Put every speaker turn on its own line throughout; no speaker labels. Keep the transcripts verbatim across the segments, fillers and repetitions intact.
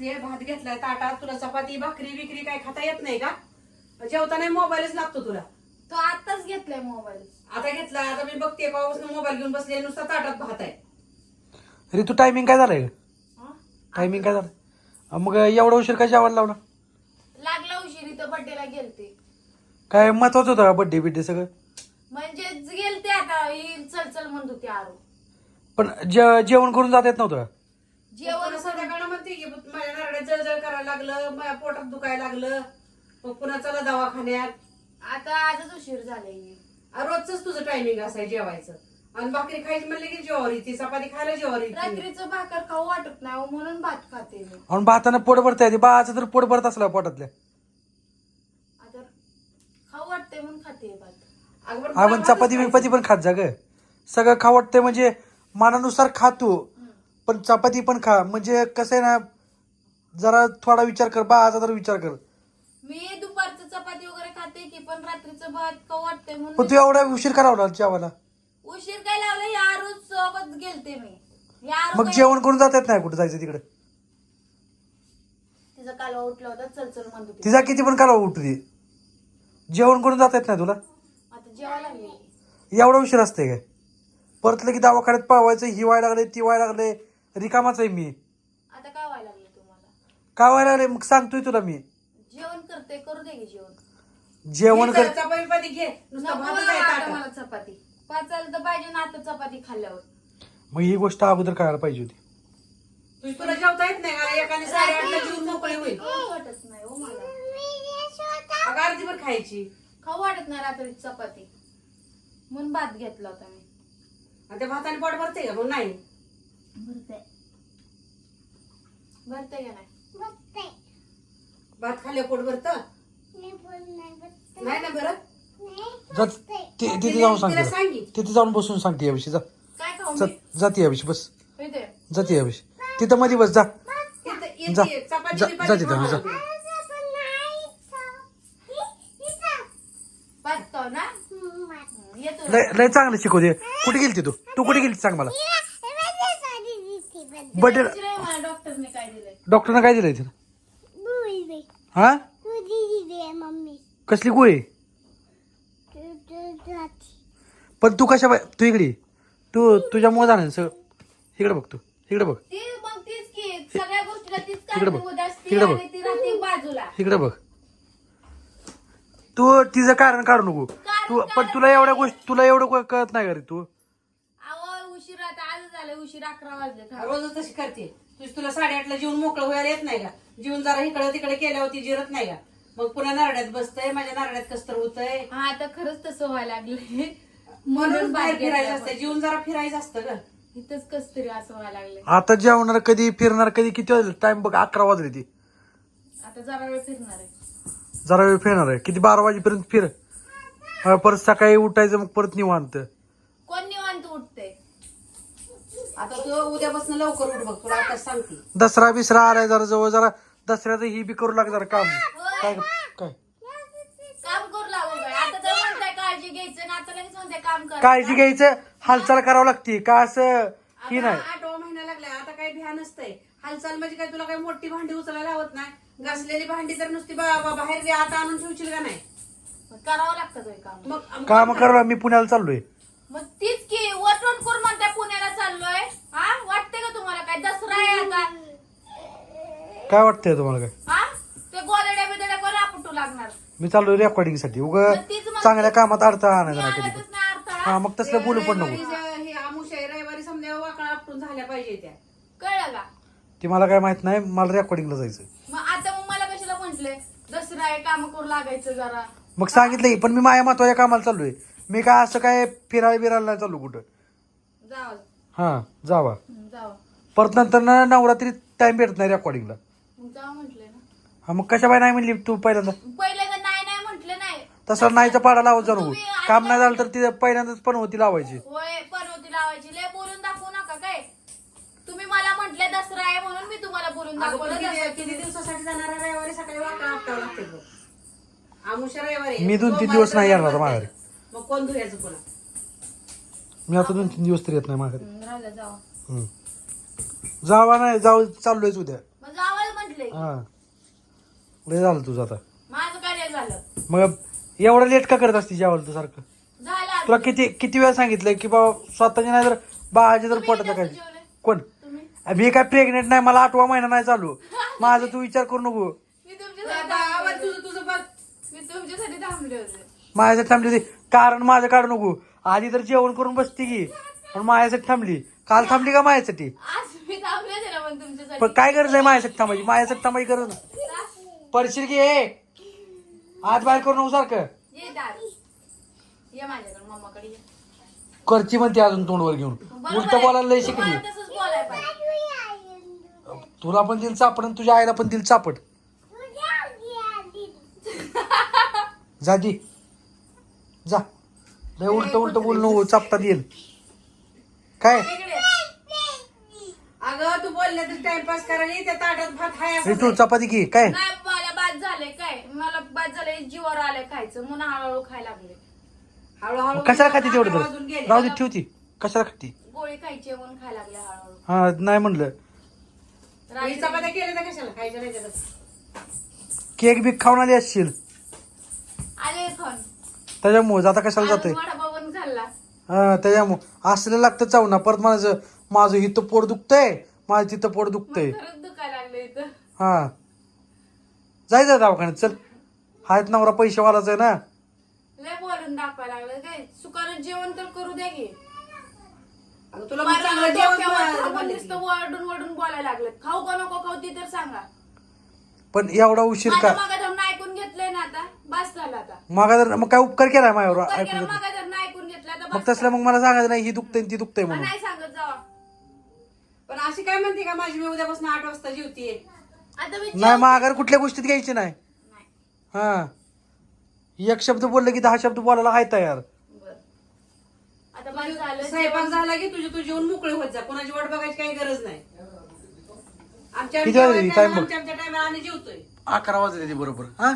बसलीये, भात घेतलाय ताटात. तुला चपाती भाकरी विक्री काय खाता येत नाही का? जेवताना मोबाईलच लागतो तुला.
तो आताच घेतलाय मोबाईल.
आता घेतला, आता मी बघते पाऊस मोबाईल घेऊन बसले, नुसता ताटात भात आहे.
ऋतू टायमिंग काय झालंय? टायमिंग काय झालं? मग एवढा उशीर काय जेवायला लावला?
लागला उशीर, इथं बर्थडेला गेलते.
काय महत्वाचं होतं का बड्डे बिड्डे सगळं?
म्हणजे गेलते आता ही चल चल म्हणत होती आरू.
पण जे- जेवण करून जात येत नव्हतं का?
जेवण
संध्याकाळ म्हणते की माझ्या नारड्यात जळजळ करायला लागलं, माझ्या पोटात दुखायला लागलं, मग पुन्हा चला दवाखान्यात.
आता आजच उशीर झालाय.
रोजच तुझं टायमिंग असाय जेवायचं. आणि भाकरी खायची म्हणले की ज्वारी, ती चपाती खायला ज्वारी.
रात्रीचं भाकर खाऊ वाटत नाही हो, म्हणून भात खाते मी.
आणि भातानं पोट भरता येते, बाळाचं तर पोट भरत असलं पोटातल्या.
आता खाऊ वाटते म्हणून खाते भात.
आपण चपाती बिपाती पण खात जा ग. सगळं खा वाटतंय म्हणजे मनानुसार खा तू, पण चपाती पण खा. म्हणजे कसं आहे ना, जरा थोडा विचार कर, बाळाचा तर विचार कर.
मी दुपारचं चपाती वगैरे खाते की, पण रात्रीचं भात खाऊ वाटते
पण
म्हणून.
तू एवढा उशीर करावला जेवायला?
उशीर काय लावलं, या आरू सोबत गेलते मी. या आरू
मग
काय-
जेवण करून जात येत नाही कुठे जायचं तिकडे?
तिचा कालवा उठला होता, चल चल म्हणत होती.
तिचा किती पण कालवा उठू दे, जेवण करून जात येत नाही तुला?
आता जेवायला लागली.
एवढा उशीर असते काय? परत लगे दवाखान्यात पावायचं, ही व्हायला लागले ती व्हायला लागले, रिकामाच आहे मी.
आता काय व्हायला लागलं तुम्हाला?
काय व्हायला लागले मग सांगतोय तुला मी.
जेवण करते, करू दे की जेवण.
जेवण कर.
चपाती घे, नुसतं
नको
भातच
बाबा
आहे
आता
ताटात.
मला चपाती पाचायला तर पाहिजे ना, आता चपाती खाल्ल्यावर.
मग ही गोष्ट अगोदर करायला पाहिजे होती.
तुझ- तुला जेवता येत नाही का? एकाने साडेआठला जेवून मोकळी होईल.
खाऊ वाटत नाही हो मला.
अगं अर्धीभर खायची.
खाऊ वाटत नाही रात्री चपाती, म्हणून भात घेतला होता मी.
आणि त्या भाताने पोट भरते का? मग नाही
भरते भरते का नाही?
भात खाल्ले पोट भरत नाही ना भरत.
जा ति- तिथे जाऊन सांग
तिला
तिला.
सांगी
तिथे जाऊन बसून सांगते याविषयी. जा
काय खाऊ
जा-
मी?
जाते याविषयी बस.
इथे
जाते याविषयी तिथं मध्ये बस. जा
इथं- इथं
जा.
ये, चपाती
जा-
बिपाती
जा तिथं,
खाऊ
जा.
नको.
भात खाऊ ना. येतो
लय लय चांगलं शिकवते. कुठे गेलती तू? तू कुठे गेली सांग मला. बर्थडे
मला डॉक्टरने काय दिलंय?
डॉक्टरनं काय दिलंय तिला? हा कसली गोळी? पण तू कशा बाय- तू इकडे ये. तू तुझ्या मुळे जाणार सगळं. इकडे बघ, तू इकडे बघ,
ती मग तीच की सगळ्या गोष्टीला तीच
तिकडे बघ.
कारणीभूत असते
तिकडे बघ.
आणि ती राहते बाजूला.
इकडे बघ. तू तिचं कारण काढू नको. तू पण तुला एवढ्या गोष्टी तुला एवढं को- कळत नाही का रे तू?
अहो उशीर आता आज झालं, उशीर अकरा वाजले.
रोजच तशी करते. तुझ तुला साडेआठला जेवून मोकळं व्हायला येत नाही का? जेवून जरा इकडे तिकडे केल्यावरती जिरत नाही का? मग पुन्हा नारड्यात बसतंय, माझ्या नारड्यात कसतर होतंय.
हा आता खरंच तसं व्हायला लागले.
म्हणून बाहेर
भात
फिरायचं
घेतला
असतं, जेवून जरा फिरायचं असतं ग.
इथंच कस तरी असं व्हायला लागले.
आता जेवणार कधी, फिरणार कधी, किती वाजले? टाइम बघ, अकरा वाजले ती.
आता जरा वेळ फिरणार आहे.
जरा वेळ फिरणार आहे. किती बारा वाजेपर्यंत फिर. हा, परत सकाळी उठायचं, मग परत निवांत.
कोण निवांत उठते?
आता तू उद्यापासून लवकर उठ बघ, तुला आता सांगते.
दसरा बिसरा आलाय जरा जवळ, जरा दसऱ्याचं ही बी करू लाग जरा काम. काय काय
काम करू लागू काय? आता तर म्हणताय काळजी घ्यायचं ना, आता लगेच म्हणताय काम कर.
काळजी घ्यायचं, हालचाल करावं लागते का असं ही नाही.
आता आठवा महिना लागलाय, आता काही भ्या नसतंय. हालचाल म्हणजे काय, तुला काही मोठी भांडी उचलायला लावत नाही. घासलेली भांडी तर नुसती बा- बा- बाहेर आता आणून ठेवशील का नाही?
करावं लागतं ते काम.
मग
काम करा. मी पुण्याला चाललोय.
मग तीच की वटवण करून म्हणताय पुण्याला चाललोय. हा वाटते का तुम्हाला काय दसरा आहे आता?
काय वाटतंय तुम्हाला काय?
हा ते गोदड्या बिदड्या कोण आपटू लागणार?
मी चाललोय रेकॉर्डिंग साठी. उग
मग तीच म्हणते.
चांगल्या कामात अडथळा आणायचा
मी
नाही कधी
आणतच
पण.
नाही अडथळा.
हा, मग तसलं बोलू पण नको.
रविवारी हे आमुष आहे, रविवारी समजा वाकळा आपटून झाल्या पाहिजे त्या.
कळलं का?
ती मला काय माहित नाही. मला रेकॉर्डिंगला जायचं.
मग आता मग मला कशाला म्हंटले दसरा आहे काम करू लागायचं जरा.
मग सांगितलं की, पण मी माझ्या महत्वाच्या कामाला चाललोय. मी काय असं काय फिरायला बिरायला नाही चाललो कुठं.
जावं
हा जावा.
हं, जावं
परत नंतर ना नवरात्री टाइम भेटत नाही रेकॉर्डिंगला.
मग जावं म्हंटले ना.
हा, मग कशा बाय नाही म्हणली तू पहिल्यांदा?
पहिले तर नाही नाही म्हंटले नाही.
तसं नाहीचा पाडा लावत जाऊ नको.
तुम्ही आज-
काम नाही झालं तर ती पहिल्यांदाच पण होती लावायची.
होय पनवती लावायची. लय बोलून दाखवू नका काय. तुम्ही मला म्हंटले दसरा आहे म्हणून मी तुम्हाला बोलून
अगं, पण
दाखवलं.
किती
दसरा-
किती दिवसासाठी जाणार आहे? रविवारी सकाळी वाकळा आपटावं लागते बघ. आमुषा रविवारी
मी दोन तीन दिवस नाही येणार आता माघारी.
मग कोण धुयाचं पुन्हा?
मी आता दोन तीन दिवस तरी येत नाही माघारी.
हं, राहिलं जावं.
हम्म. जावा नाही, जाऊ चाललोयच उद्या.
मग जावं म्हंटले वाजले
हा लय झालं तुझं आता.
माझं काय नाही झालं.
मग एवढं लेट का करत असते जेवायला तू सारखं?
झालं आज.
तुला किती किती वेळा सांगितलंय की बाबा स्वतःच्या नाही तर बाळाच्या जर
तुम्ही
पोटात
कसं
काय
जेवले?
कोण
तुम्ही
मी काय प्रेग्नेंट नाही, मला आठवा महिना नाही चालू. माझा तू विचार करू नको.
मी तुमच्यासाठी
आता आवाज
थांबले
तुझं तुझं बघ.
होते. मी तुमच्यासाठी थांबले होते.
माझ्यासाठी थांबली होती कारण माझं काढू नको. आधी तर जेवण करून बसती की पण माझ्यासाठी थांबली. काल थांबली का माझ्यासाठी?
आज मी थांबले होते ना पण तुमच्यासाठी.
पण काय गरज आहे माझ्यासाठी थांबायची? माझ्यासाठी थांबायची गरज नाही. पडशील की हे हात बाहेर करू नको सारखं.
ये दार ये माझ्याकडे मम्माकडे ये.
करची म्हणते अजून तोंडवर घेऊन.
बरोबर
उलट
आहे.
बोलायला लय शिकली.
तुम्हाला तसंच बोलायला पाहिजे.
तुला पण दिल चापड आणि तुझ्या आईला पण दिल चापड. जा दी जा. लय उलट उलट बोल नको, चापता येईल काय.
इकडे.
अगं तू बोलल्या तर टाइमपास करायला त्या ताटात भात हाय
हे
असं
तू चपाती घे काय.
नाही मला बाद झालंय काय मला बाद झालंय जीवावर आलंय खायचं म्हणून हळूहळू खायला लागले.
हळूहळू
कशाला खाती तेवढं
अकरा
तर
वाजून गेले.
राहू दे ठेवती. कशाला खाती?
गोळी खायची आहे म्हणून खायला लागले हळूहळू.
हा नाही म्हणलं.
ही
रात्री-
चपात्या केल्या तर कशाला खायच्या नाही त्याला.
केक बी खाऊन आली असशील
आले खाऊन
त्याच्यामुळे आता कशाला जातोय.
वडापाव पण खाल्ला.
हा त्याच्यामुळे असलं लागतं चावना. परत माझं माझं इथं पोट दुखतंय, माझं तिथं पोट दुखतंय.
खरंच दुखायला लागलं इथं.
हा जायचं दवाखान्यात चल. हायत नवरा पैसेवालाच आहे ना.
लय बोलून दाखवायला लागलं काय सुकानं जेवण तर करू द्या की.
अगं तुला मग चांगलं जेवण बोलले की.
नुसतं वरडून वरडून बोलायला लागलं. खाऊ का नको खाऊ ती तर सांगा.
पण एवढा उशीर का?
माझं मागा धरून ऐकून घेतलंय ना आता बस झालं आता.
मग तर मग काय उपकार केलाय माझ्यावर
उपकार
ऐकून
केला,
घेतलं.
मागा धरून ऐकून घेतलं आता
मग
बस
तसलं
करा.
मग मला सांगायचं नाही ही दुखतंय आणि ती दुखतंय
मग
म्हणून.
नाही सांगत जावा.
पण अशी काय म्हणते का माझी मी उद्यापासून आठ वाजता जेवतीये.
आता मी
नाही
जेव-
माघार कुठल्या गोष्टीत घ्यायची नाही.
नाही.
हा एक शब्द बोललं की दहा शब्द बोलायला हाय तयार.
बरं. आता बस झालं
स्वयंपाक
जेवण.
झाला की तुझी तू जेवण मोकळे होत जा. कोणाची वाट बघायची काही गरज नाही. आमच्या
किती वाजले?
आमच्या
टाइम बघ.
आमच्या आमच्या टायमाला आम्ही जेवतोय.
अकरा वाजले ते बरोबर. हा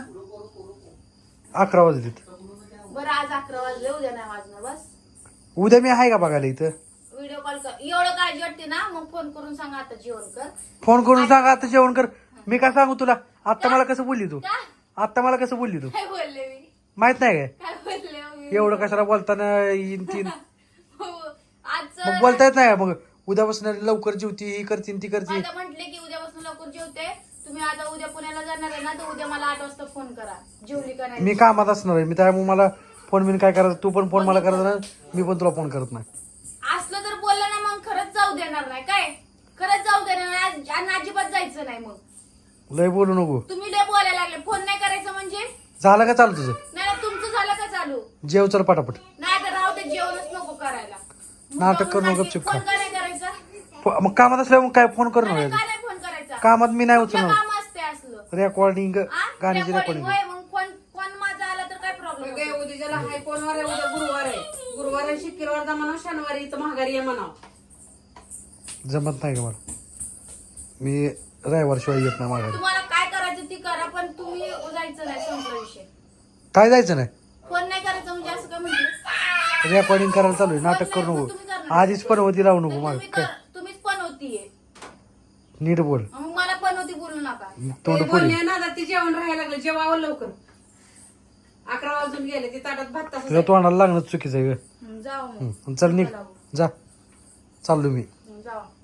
अकरा वाजले.
बरं आज अकरा वाजले उद्या नाही वाजणार बस.
उद्या मी आहे का बघायला इथं?
व्हिडिओ कॉल कर. एवढं काळजी वाटते ना मग फोन करून सांगा आता जेवण कर.
फोन करून सांगा आता जेवण कर. मी काय सांगू तुला? आता मला कसं बोलली तू?
का
आता मला कसं बोलली तू?
काय बोलले मी
माहित नाही काय
काय बोलले मी?
एवढं कशाला बोलताना येईन तीन.
हो. आज
मग बोलता येत नाही का? मग उद्यापासून लवकर जेवती ही करतीन ती करती.
आता म्हटले की उद्यापासून लवकर जेवते. तुम्ही आता उद्या पुण्याला जाणार आहे ना तर उद्या मला आठ वाजता फोन करा जेवली का नाही.
मी कामात असणार आहे. मी त्यामुळे मला फोन बिन काय करायचं. तू पण फोन मला करत नाही, मी पण तुला फोन करत नाही.
असलं तर बोललं ना मग खरंच जाऊ देणार नाही काय खरंच जाऊ देणार नाही आज- आणि अजिबात जायचं नाही. मग
लय बोलू नको.
तुम्ही लय बोलायला लागले. फोन नाही करायचं म्हणजे
झालं का चालू तुझं?
नाही नाही, तुमचं झालं का चालू?
जेव चल पटापट.
नाही तर राहू ते जेवणच नको करायला.
नाटक करू नको,
मुद्दामून
गपचूप
फोन
खा.
का नाही करायचा?
फ- मग कामात असल्यावर मग काय फोन कर
नाही,
ना.
का नाही फोन करायचा?
कामात मी नाही
कुठलं
उचलणार.
काम असते असलं
रेकॉर्डिंग
आ?
गाण्याची
recording
रेकॉर्डिंग.
होय, मग फोन फोन माझा आला तर काय प्रॉब्लेम
काय उद्याला हाय कोणवार आहे? उद्या गुरुवार आहे. गुरुवार आहे शुक्रवार दा म्हणा शनिवारी इथं महागारी आहे म्हणाव.
जमत नाही का मला? मी रविवार शिवाय येत नाही माघारी.
तुम्हाला काय करायचं ती करा पण तुम्ही जायचं नाही संपला विषय.
काय जायचं नाही?
फोन नाही करायचं म्हणजे असं काय म्हटलं?
रेकॉर्डिंग करायला चालू आहे. नाटक करू नको. आधीच पण होती लावू नको माग.
तुम्ही कर- तुम्हीच पण होतीये
नीट बोल.
मग मला पण होती बोलू नका.
तोंड
ते
पुढे.
बोलणे ना आता ते जेवण राहायला लागलं. जेवावं लवकर. अकरा वाजून गेले ते ताटात भात तसंच
तुझ्या
आहे.
तोंडाला लागणं चुकीचं आहे ग.
हं, जाओ मग
हं, चल निघ जा. चाललो मी.
हं, जाओ.